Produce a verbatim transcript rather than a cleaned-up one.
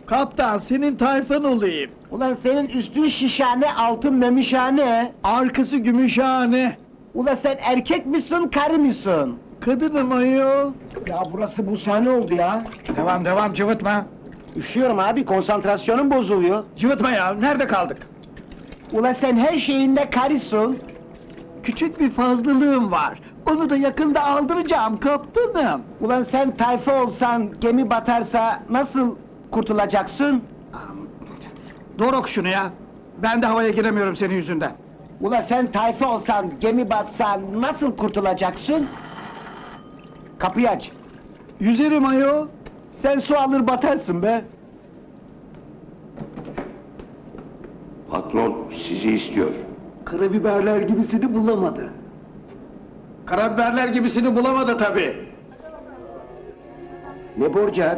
Kaptan, senin tayfan olayım. Ulan senin üstün şişhane, altın memişhane. Arkası gümüşhane. Ulan sen erkek misin, karı mısın? Kadınım ayol. Ya burası bu sahne oldu ya. Devam devam, cıvıtma. Üşüyorum abi, konsantrasyonum bozuluyor. Cıvıtma ya, nerede kaldık? Ulan sen her şeyinde karısın. Küçük bir fazlalığım var. Onu da yakında aldıracağım kaptanım. Ulan sen tayfa olsan, gemi batarsa nasıl kurtulacaksın? Doruk şunu ya. Ben de havaya giremiyorum senin yüzünden. Ulan sen tayfa olsan, gemi batsa nasıl kurtulacaksın? Kapıyı aç. Yüzerim ayol. Sen su alır batarsın be. Patron sizi istiyor. Karabiberler gibisini bulamadı. Karabiberler gibisini bulamadı tabii. Ne borcu abi?